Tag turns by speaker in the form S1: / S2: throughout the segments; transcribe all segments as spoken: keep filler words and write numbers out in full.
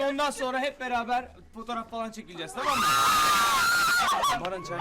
S1: ondan sonra hep beraber fotoğraf falan çekileceğiz, tamam mı? Baran çay.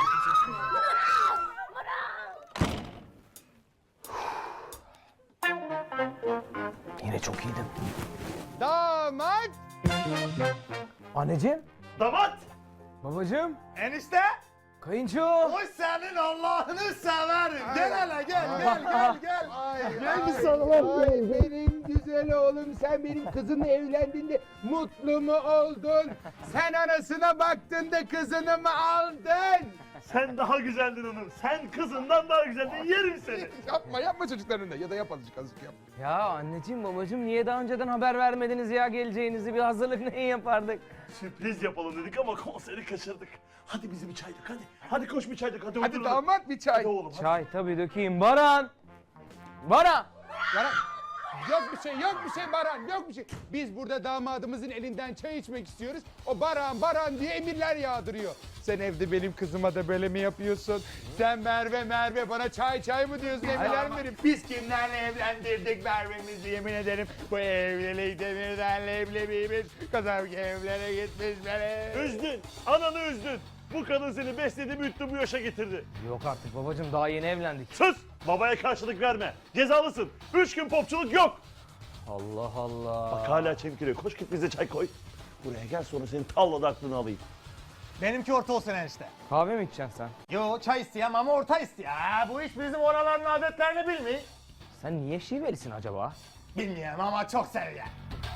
S2: Yine çok iyiydim.
S3: Damat!
S2: Anneciğim,
S4: Damat!
S2: babacığım,
S4: Enişte!
S2: kayınço.
S4: Oy senin Allah'ını severim. Gel hele gel gel gel gel. Gel bir sarılalım.
S3: Ay benim güzel oğlum, sen benim kızımla evlendiğinde mutlu mu oldun? Sen anasına baktın da kızını mı aldın?
S4: Sen daha güzeldin hanım. Sen kızından daha güzeldin. Yerim seni.
S3: Yapma yapma çocukların önünde ya da yap azıcık azıcık yap.
S2: Ya anneciğim, babacığım niye daha önceden haber vermediniz ya geleceğinizi? Bir hazırlık neyi yapardık?
S4: Sürpriz yapalım dedik ama konseri kaçırdık. Hadi bizi bir çaydık hadi. Hadi koş bir çaydık hadi.
S3: Hadi
S4: oturalım.
S3: damat bir çay.
S4: Hadi oğlum hadi.
S2: Çay tabii dökeyim. Baran! Baran!
S3: Baran, yok bir şey, yok bir şey Baran, yok bir şey. Biz burada damadımızın elinden çay içmek istiyoruz. O Baran, Baran diye emirler yağdırıyor. Sen evde benim kızıma da böyle mi yapıyorsun? Sen Merve, Merve bana çay çay mı diyorsun, emirler mi verip? Biz kimlerle evlendirdik Merve'mizi, yemin ederim. Bu evlilik demirden leblebimiz. Kazam evlere gitmiş beni.
S4: Üzdün. Ananı üzdün. Bu kadın seni besledi büyüttü bu yaşa getirdi.
S2: Yok artık babacığım, daha yeni evlendik.
S4: Sus! Babaya karşılık verme. Cezalısın. Üç gün popçuluk yok.
S2: Allah Allah.
S4: Bak hala çemkiriyor. Koş git bize çay koy. Buraya gel sonra senin tavlada aklını alayım.
S5: Benimki orta olsun enişte.
S2: Kahve mi içeceksin sen?
S5: Yo çay isteyem ama orta isteyem. Ha, bu iş bizim oraların adetlerini bilmiyor.
S2: Sen niye şivelisin acaba?
S5: Bilmiyorum ama çok seviyorum.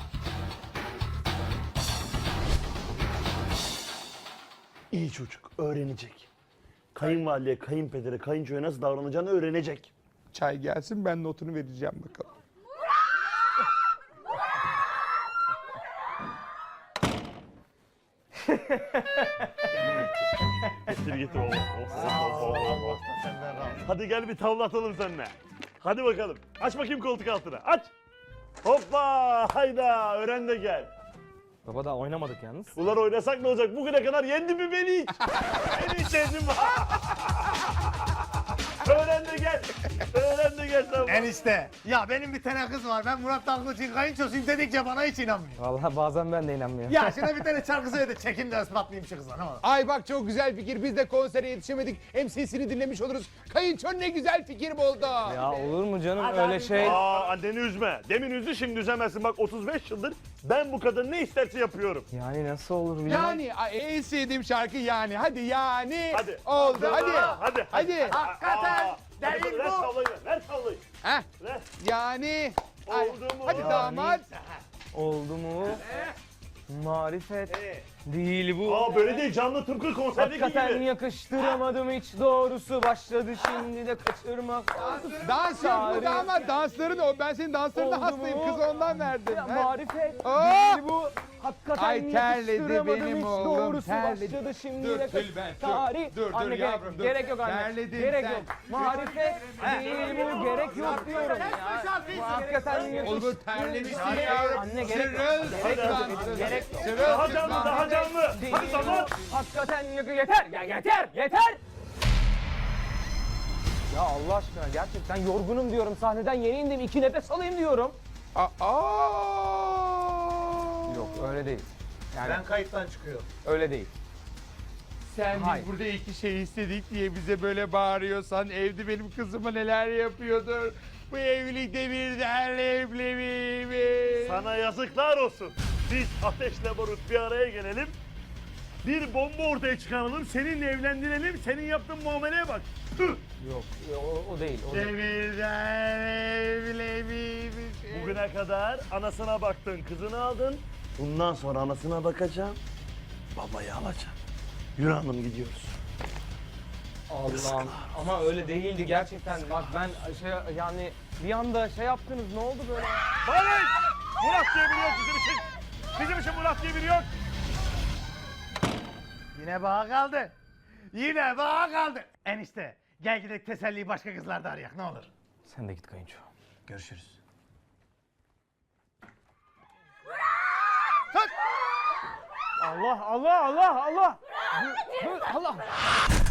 S4: İyi çocuk. Öğrenecek. Kayınvalideye, kayınpedere, kayınçoya nasıl davranacağını öğrenecek.
S3: Çay gelsin, ben notunu vereceğim bakalım.
S4: Getir getir oğlum. Oh, oh, oh, oh. Hadi gel bir tavla atalım seninle. Hadi bakalım. Aç bakayım koltuk altına. Aç. Hoppa. Hayda. Öğren de gel.
S2: Baba daha oynamadık yalnız.
S4: Ulan oynasak ne olacak? Bugüne kadar yendin mi beni hiç? Beni hiç yendin mi? Öğren de gel. Öğren de gel tamam.
S5: Enişte ya benim bir tane kız var. Ben Murat Dalgıç'ın kayınçosuyum dedikçe bana hiç inanmıyor.
S2: Vallahi bazen ben de inanmıyorum.
S5: Ya şuna bir tane şarkı söyle de çekin de ispatlayayım şu kıza ne olur.
S3: Ay bak çok güzel fikir. Biz de konsere yetişemedik. Hem sesini dinlemiş oluruz. Kayınço ne güzel fikir buldu.
S2: Ya olur mu canım
S5: Hadi
S2: öyle
S5: abi.
S2: şey?
S4: Aa anneni üzme. Demin üzdü şimdi üzemezsin. Bak otuz beş yıldır ben bu kadın ne isterse yapıyorum.
S2: Yani nasıl olur bilemem.
S3: Yani ay, en sevdiğim şarkı yani. Hadi yani.
S4: Hadi.
S3: Oldu hadi.
S4: Aa, hadi.
S3: Hadi.
S5: Hakikaten
S4: Aa, hadi
S5: değil
S4: ver
S5: bu.
S4: tavlayı ver. Ver tavlayı.
S3: Heh,
S4: Ver.
S3: yani. Ay,
S4: Oldu mu?
S3: hadi damat.
S2: Oldu mu? Marifet değil bu.
S4: Aa böyle değil canlı tıpkı konserdeki
S2: Hakikaten
S4: gibi.
S2: yakıştıramadım hiç doğrusu başladı şimdi de kaçırmak.
S3: Dans yok mu
S2: Tarih.
S3: damat? Dansların o. Ben senin danslarına
S2: Oldu
S3: hastayım.
S2: mu?
S3: Kız ondan verdim.
S2: Ya,
S3: He?
S2: marifet
S3: Aa!
S2: değil bu. Hakikaten
S3: Ay, terledi
S2: yakıştıramadım
S3: benim
S2: hiç
S3: oğlum,
S2: doğrusu
S3: terledi.
S2: başladı şimdi
S3: Dur,
S2: de kaç-
S3: Tülben, dur.
S2: Tarih.
S3: Dur, dur
S2: Anne gerek,
S3: yavrum, dur.
S2: gerek yok anne.
S3: Terledin
S2: gerek
S3: sen.
S2: yok. Marifet değil bu gerek yok diyorum ya. Bu hakikaten yakıştıramadım.
S3: Olur terlemişsin
S2: Anne,
S3: yavrum.
S2: Anne gerek yok.
S3: Sırıl
S2: Gerek yok.
S3: sıklan.
S2: Gerek yok.
S3: Sırıl
S4: Daha canlı
S3: sıklan.
S4: daha canlı.
S2: Değil
S4: Hadi zaman.
S2: bu. Hakikaten yakı yeter. Ya yeter. Yeter. Ya Allah aşkına gerçekten yorgunum diyorum. Sahneden yeni indim. iki nefes alayım diyorum.
S3: Aa.
S2: Yok öyle değil. Yani
S5: Ben kayıttan çıkıyorum.
S2: öyle değil.
S3: Sen
S2: Hayır.
S3: biz burada iki şey istedik diye bize böyle bağırıyorsan evde benim kızıma neler yapıyordur. Bu evlilikte bir derle evliliğimiz.
S4: Sana yazıklar olsun. Biz Ateşle Barut bir araya gelelim. Bir bomba ortaya çıkaralım. Seninle evlendirelim. Senin yaptığın muameleye bak. Tüh.
S2: Yok o, o değil. O değil.
S3: Demirden evliliğimiz.
S4: Bugüne kadar anasına baktın, kızını aldın. Bundan sonra anasına bakacağım. Babayı alacağım. Yürü hanım gidiyoruz.
S2: Allah'ım ama öyle değildi gerçekten. Bak ben şey yani bir anda şey yaptınız ne oldu böyle?
S4: Barış! Murat diye biri yok bizim için. Bizim için Murat diye biri yok.
S5: Yine bana kaldı. Yine bana kaldı. Enişte gel gidelim teselliyi başka kızlarda arayak ne olur.
S2: Sen de git kayınço.
S5: Görüşürüz.
S2: Allah Allah Allah Allah. Dur, dur, Allah.